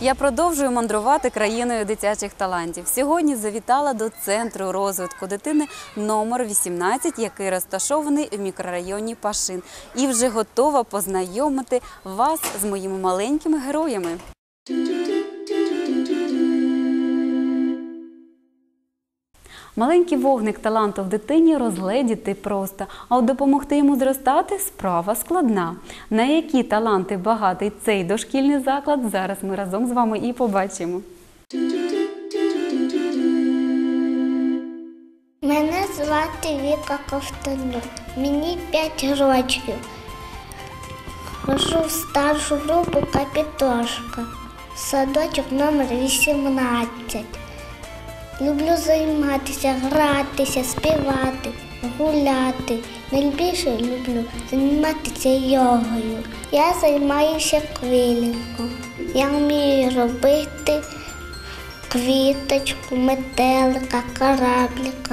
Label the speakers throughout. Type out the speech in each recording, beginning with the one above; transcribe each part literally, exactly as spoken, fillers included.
Speaker 1: Я продовжую мандрувати країною дитячих талантів. Сьогодні завітала до Центру розвитку дитини номер вісімнадцять, який розташований в мікрорайоні Пашин. І вже готова познайомити вас з моїми маленькими героями. Маленький вогник таланту в дитині розгледіти просто, а от допомогти йому зростати – справа складна. На які таланти багатий цей дошкільний заклад, зараз ми разом з вами і побачимо.
Speaker 2: Мене звати Віка Ковтонюк, мені п'ять років. Хожу в старшу групу «Капітошка», садочок номер вісімнадцять. Люблю займатися, гратися, співати, гуляти. Найбільше люблю займатися йогою. Я займаюся квілінгом. Я вмію робити квіточку, метелика, кораблика.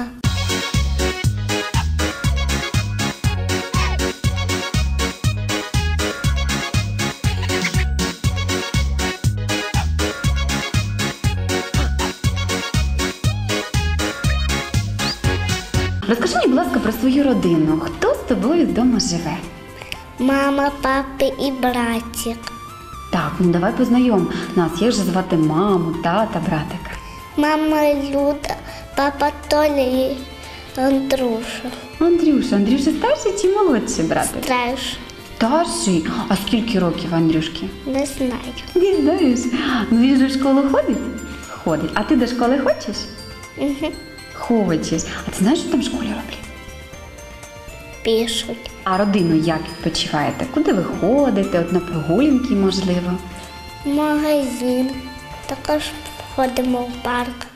Speaker 1: Розкажи мені, будь ласка, про свою родину. Хто з тобою вдома живе?
Speaker 2: Мама, папа і братик.
Speaker 1: Так, ну давай познайом нас. Як же звати маму, тата, братика?
Speaker 2: Мама Люда, папа Толя і Андрюша.
Speaker 1: Андрюша, Андрюша старший чи молодший братик?
Speaker 2: Старший.
Speaker 1: Старший? А скільки років Андрюшки?
Speaker 2: Не знаю.
Speaker 1: Не знаєш? Ну він же в школу ходить? Ходить. А ти до школи хочеш?
Speaker 2: Угу.
Speaker 1: Хочеш. А ти знаєш, що там в школі роблять?
Speaker 2: Пишуть.
Speaker 1: А родину як відпочиваєте? Куди ви ходите? От на прогулянки, можливо?
Speaker 2: Магазин. Також ходимо в парк.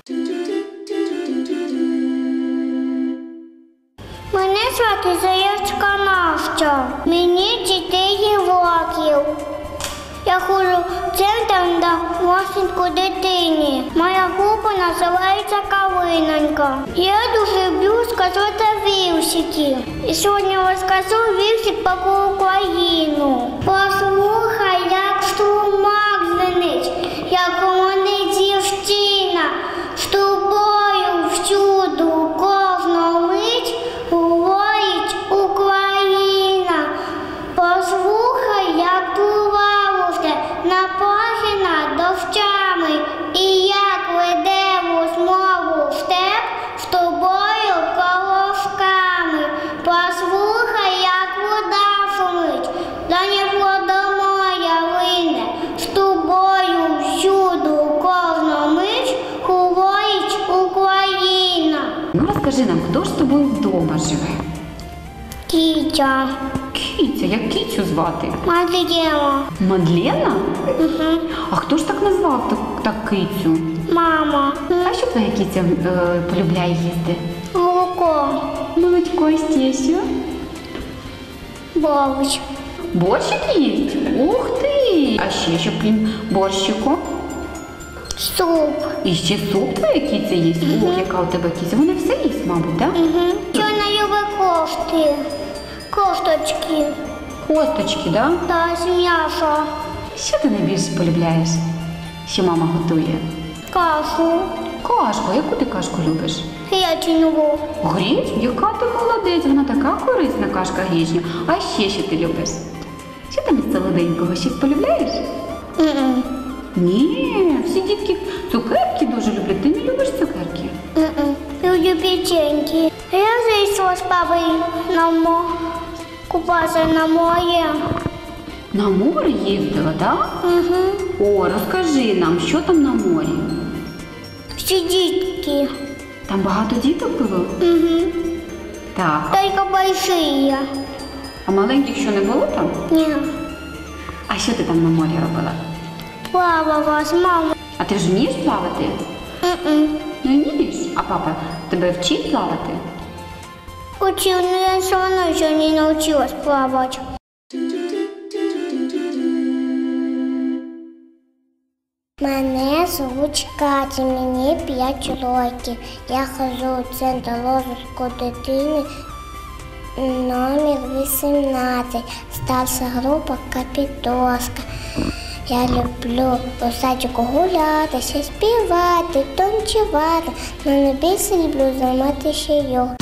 Speaker 2: Мене звати Заєчка Настя. Мені чотири років. Я ходжу в центр на розвитку дитини. Моя група називається «Калинонька». Я дуже люблю сказати віршики. І сьогодні розкажу віршик про Україну. Послухай, як струмок звенить, як гомонить дівчина. З тобою всюду кожну мить говорить Україна. Послухай, як плавався на плахі над дощами, і як веде розмову степ з тобою колосками. Послухай, як вода шумить, за вода моя лине, з тобою всюду кожну мить говорить Україна.
Speaker 1: Ну розкажи нам, хто ж з тобою вдома живе?
Speaker 2: Кітя.
Speaker 1: Кіця, як Кіцю звати?
Speaker 2: Мадлена.
Speaker 1: Мадлена?
Speaker 2: Угу.
Speaker 1: А хто ж так назвав так, так Кицю?
Speaker 2: Мама.
Speaker 1: А що твоя Кіця е, полюбляє їсти?
Speaker 2: Молоко.
Speaker 1: Молочко і ще що?
Speaker 2: Борщ.
Speaker 1: Борщик їсть? Ух ти! А ще що крім борщику?
Speaker 2: Суп.
Speaker 1: І ще суп твоя Кіця їсть? Ух, яка у тебе Кіця? Вона все їсть, мабуть, так?
Speaker 2: Угу. Що вона любить кошти? Косточки.
Speaker 1: Косточки, так?
Speaker 2: Та з м'яса.
Speaker 1: Що ти найбільше полюбляєш, що мама готує?
Speaker 2: Кашу.
Speaker 1: Кашку. Яку ти кашку любиш?
Speaker 2: Гречневу.
Speaker 1: Гречню? Яка ти молодець, вона така корисна кашка гречня. А ще що ти любиш? Що там із солоденького? Щось полюбляєш?
Speaker 2: М-м.
Speaker 1: Ні, всі дітки цукерки дуже люблять. Ти не любиш цукерки?
Speaker 2: М-м. Люблю печеньки. Я зайшла з папою на мо... купатися на море.
Speaker 1: На море їздила, так?
Speaker 2: Угу.
Speaker 1: О, розкажи нам, що там на морі?
Speaker 2: Всі дітки.
Speaker 1: Там багато діток було?
Speaker 2: Угу.
Speaker 1: Так.
Speaker 2: Тільки большие.
Speaker 1: А маленьких що не було там?
Speaker 2: Ні.
Speaker 1: А що ти там на морі робила?
Speaker 2: Плавала з мамою.
Speaker 1: А ти ж вмієш плавати?
Speaker 2: М-м.
Speaker 1: Не вмієш? А папа тебе вчить плавати?
Speaker 2: Учил, но я все равно еще не научилась плавать. Мене звуть Катя, мені п'ять років. Я ходжу у центр розвитку дитини номер вісімнадцять, старша група «Капітошка». Я люблю у садіку гулятися, співати, танцювати, але найбільше люблю займатися йогою.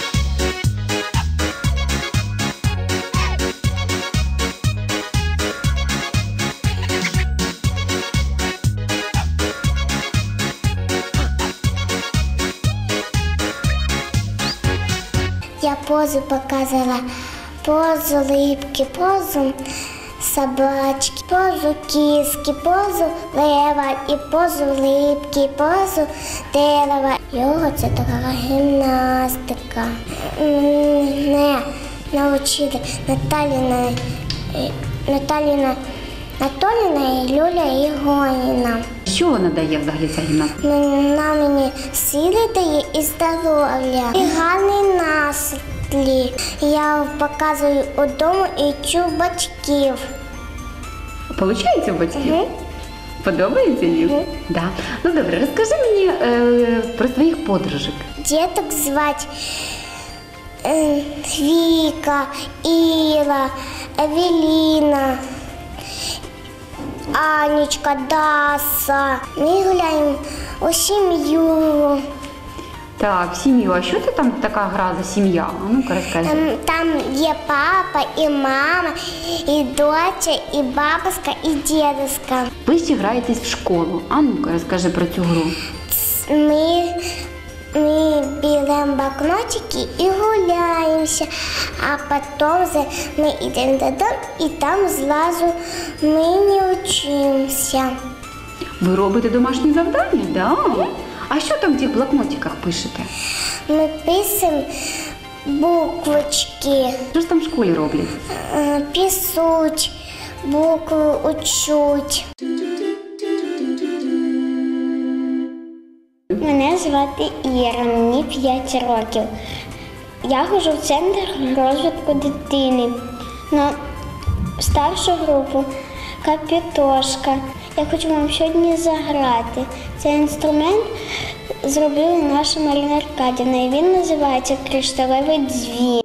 Speaker 2: Я позу показала, позу липки, позу собачки, позу киски, позу лева і позу липки, позу дерева. Йога – це така гімнастика. Мене навчили Наталіна, Наталіна Анатоліна і Люля Ігоніна.
Speaker 1: Що вона дає взагалі ця гімнастика?
Speaker 2: Вона мені сили дає і здоров'я, і гарний настрій. Я показую удома і чу батьків.
Speaker 1: Получається у батьків?
Speaker 2: Угу.
Speaker 1: Подобається їм?
Speaker 2: Угу.
Speaker 1: Да. Ну добре, розкажи мені е, про своїх подружок.
Speaker 2: Діток звати е, Віка, Іра, Евеліна, Анечка, Даса. Ми гуляємо у сім'ю.
Speaker 1: Так, в сім'ю. А що це там така гра за сім'я? А ну-ка розкажи.
Speaker 2: Там, там є папа, і мама, і доча, і бабуська, і дідуська.
Speaker 1: Ви ще граєтесь в школу. А ну-ка розкажи про цю гру.
Speaker 2: Ми, ми беремо блокнотики і гуляємося, а потім вже ми йдемо додому і там зразу ми не вчимося.
Speaker 1: Ви робите домашні завдання? Да. А що там в тих блокнотиках пишете?
Speaker 2: Ми пишемо буквочки,
Speaker 1: Що ж там в школі роблять?
Speaker 2: е, пишуть, букви учуть. Мене звати Іра, мені п'ять років. Я ходжу в центр розвитку дитини на старшу групу Капітошка. Я хочу вам сьогодні заграти. Цей інструмент зробила наша Марина Аркадівна, і він називається «Кришталевий дзвін».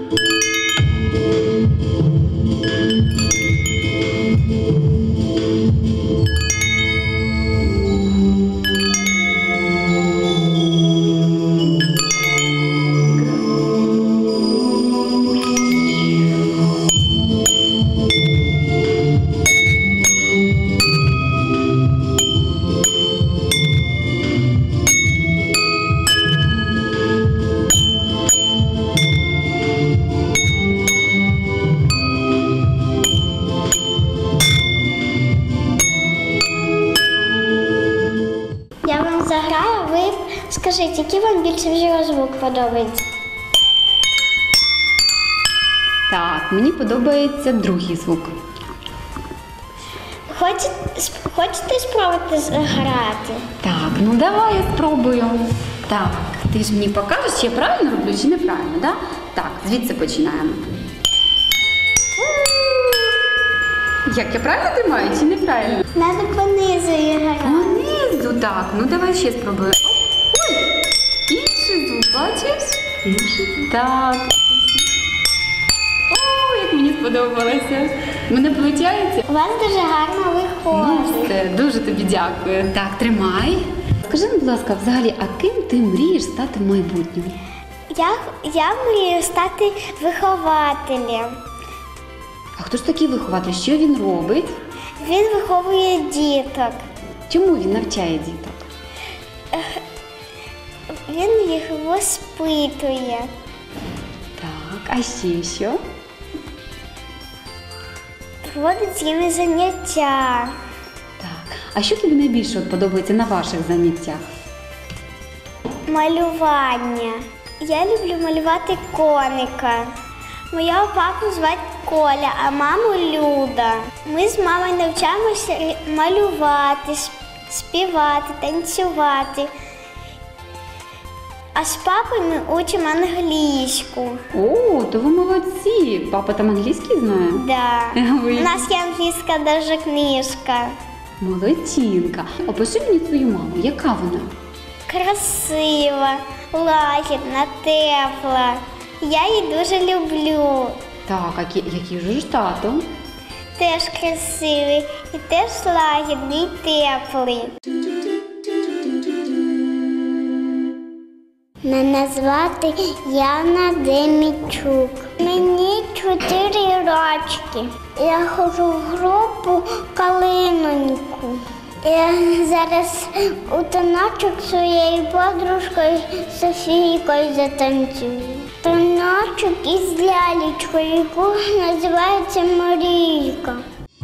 Speaker 2: Я вам заграю, ви скажіть, який вам більше всього звук подобається?
Speaker 1: Так, мені подобається другий звук.
Speaker 2: Хочете, хочете спробувати грати?
Speaker 1: Так, ну давай я спробую. Так, ти ж мені покажеш, чи я правильно роблю, чи неправильно, да? Так, звідси починаємо. Як я правильно тримаю, чи неправильно?
Speaker 2: Надо понизу грати.
Speaker 1: Понизу, так, ну давай ще спробую. Ой, інший звук, бачиш? Інший звук. Так. О, як мені сподобалося. Мене виходить?
Speaker 2: У вас дуже гарно
Speaker 1: Ну,
Speaker 2: виходить.
Speaker 1: все, дуже тобі дякую. Так, тримай. Скажи, будь ласка, взагалі, а ким ти мрієш стати в майбутньому?
Speaker 2: Я, я мрію стати вихователем.
Speaker 1: А хто ж такий вихователь? Що він робить?
Speaker 2: Він виховує діток.
Speaker 1: Чому він навчає діток?
Speaker 2: Він їх воспитує.
Speaker 1: Так, а ще що?
Speaker 2: Проводить з ними заняття.
Speaker 1: Так, а що тобі найбільше от подобається на ваших заняттях?
Speaker 2: Малювання. Я люблю малювати коника. Моя папу звати Коля, а маму Люда. Ми з мамою навчаємося малювати, співати, танцювати. А з папою ми учимо англійську.
Speaker 1: О, то ви молодці. Папа там англійський знає?
Speaker 2: Да.
Speaker 1: Ой.
Speaker 2: У нас є англійська даже книжка.
Speaker 1: Молодчинка. Опиши мені свою маму. Яка вона?
Speaker 2: Красива, лагідна, тепла. Я її дуже люблю.
Speaker 1: Так, а кі- який же ж тато?
Speaker 2: теж красивий, і теж лагідний, і теплий. Мене звати Яна Демічук. Мені чотири рочки. Я ходжу в групу Калиноньку. Я зараз у таночок своєю подружкою Софійкою затанцюю. Таночок із лялечкою, яку називається Марійка.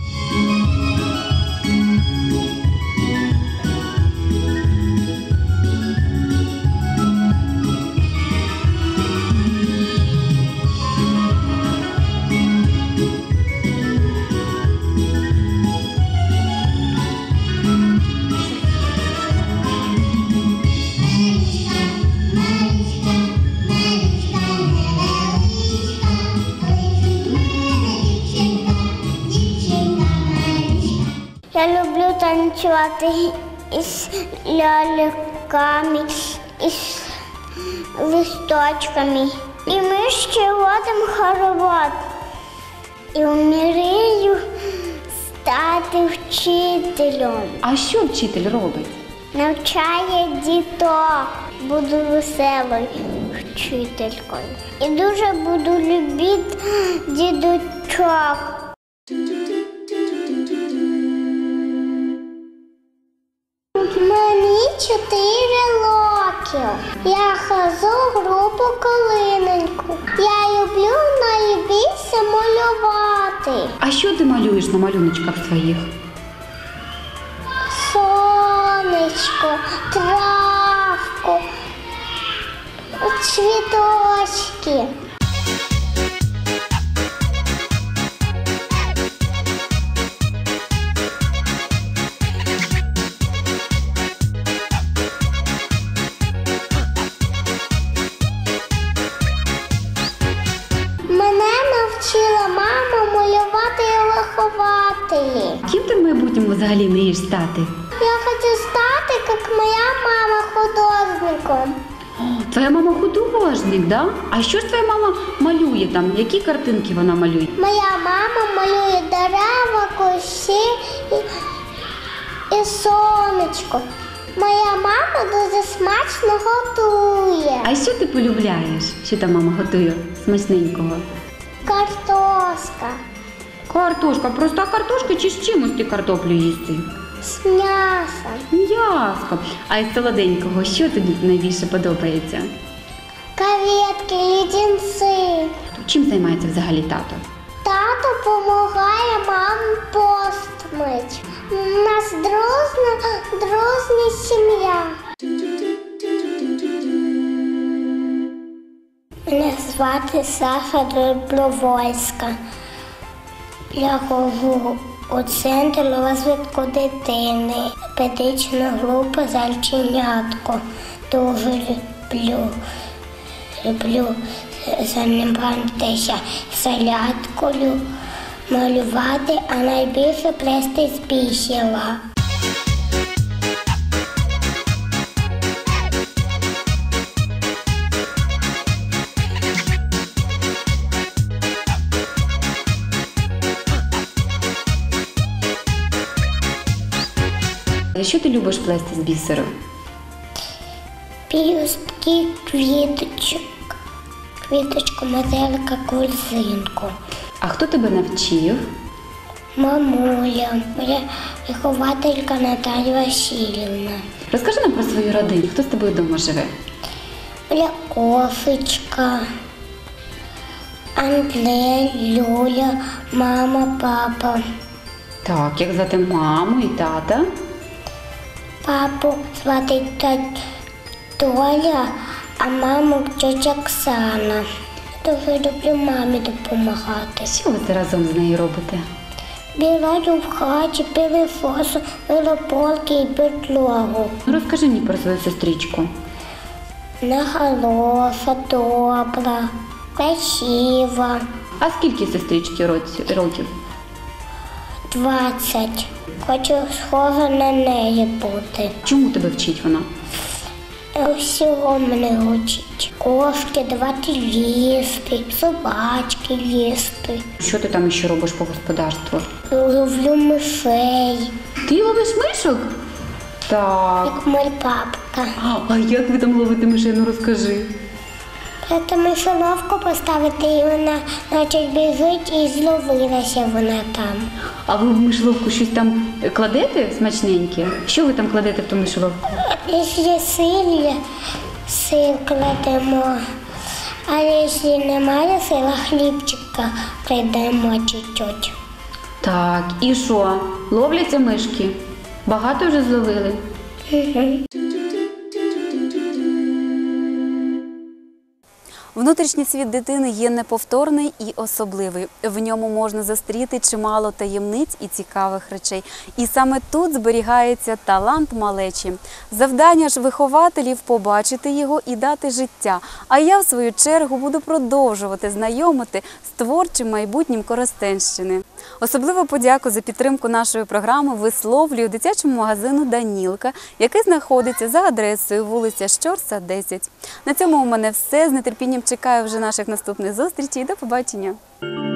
Speaker 2: Я люблю танцювати із ляльками, із листочками. І ми ще водимо хоровод. І мрію стати вчителем.
Speaker 1: А що вчитель робить?
Speaker 2: Навчає діток. Буду веселою вчителькою. І дуже буду любити дідочок. Мені чотири роки. Я хожу в групу Калиноньку. Я люблю найбільше малювати.
Speaker 1: А що ти малюєш на малюночках своїх?
Speaker 2: Сонечко, травку, цвіточки. Мене навчила мама малювати і вихователі.
Speaker 1: Ким ти в майбутньому взагалі мрієш стати?
Speaker 2: Я хочу стати, як моя мама, художником.
Speaker 1: О, твоя мама художник, да? А що ж твоя мама малює там? Які картинки вона малює?
Speaker 2: Моя мама малює дерева, кущі і, і сонечко. Моя мама дуже смачно готує.
Speaker 1: А що ти полюбляєш? Що там мама готує смачненького?
Speaker 2: Картошка
Speaker 1: Картошка. Проста картошка чи з чимось ти картоплю їсти?
Speaker 2: з м'ясом,
Speaker 1: М'яско. А із солоденького що тобі найбільше подобається?
Speaker 2: креветки, леденці.
Speaker 1: Чим займається взагалі тато?
Speaker 2: Тато допомагає мамі пост мить. У нас дружна, дружня сім'я. Мене звати Саша Добровольська. Я ходжу у центр розвитку дитини, педагогічна група «Зайченятко». Дуже люблю, люблю займатися зарядкою, малювати, а найбільше плести з бісера.
Speaker 1: Що ти любиш плести з бісеру?
Speaker 2: Пілюстки, квіточок, квіточку, метелика, корзинку.
Speaker 1: А хто тебе навчив?
Speaker 2: Мамуля, моя вихователька Наталія Васильівна.
Speaker 1: Розкажи нам про свою родину. Хто з тобою вдома живе?
Speaker 2: Моя Кофечка, Андрей, Люля, мама, папа.
Speaker 1: Так, як звати маму і тата?
Speaker 2: Папу звати тать Толя, а маму тьотя Оксана. Дуже люблю мамі допомагати.
Speaker 1: Що ви разом з нею робите?
Speaker 2: Бігаю в хаті, пилососу, велополки і підлогу.
Speaker 1: Ну, розкажи мені про свою сестричку.
Speaker 2: Вона хороша, добра, красива.
Speaker 1: А скільки сестрички році- років?
Speaker 2: Двадцять. Хочу схожа на неї бути.
Speaker 1: Чому тебе вчить вона?
Speaker 2: Всього мене учить. Кошки давати їсти, собачки їсти.
Speaker 1: Що ти там ще робиш по господарству?
Speaker 2: Ловлю мишей,
Speaker 1: Ти ловиш мишок? Так.
Speaker 2: як моя папка.
Speaker 1: А як ви там ловите мишей? Ну розкажи.
Speaker 2: Це мишоловку поставити, і вона наче біжить, і зловилася вона там.
Speaker 1: А ви в мишоловку щось там кладете смачненьке? Що ви там кладете в ту мишоловку?
Speaker 2: Якщо сир, сир кладемо, а якщо немає сира, хлібчика кладемо чуть-чуть.
Speaker 1: Так, і що? Ловляться мишки? Багато вже зловили? Внутрішній світ дитини є неповторний і особливий. В ньому можна зустріти чимало таємниць і цікавих речей. І саме тут зберігається талант малечі. Завдання ж вихователів – побачити його і дати життя. А я, в свою чергу, буду продовжувати знайомити з творчим майбутнім Коростенщини. Особливу подяку за підтримку нашої програми висловлюю дитячому магазину «Данілка», який знаходиться за адресою вулиця Щорса, десять. На цьому у мене все. З нетерпінням чекаю вже наших наступних зустрічей. До побачення!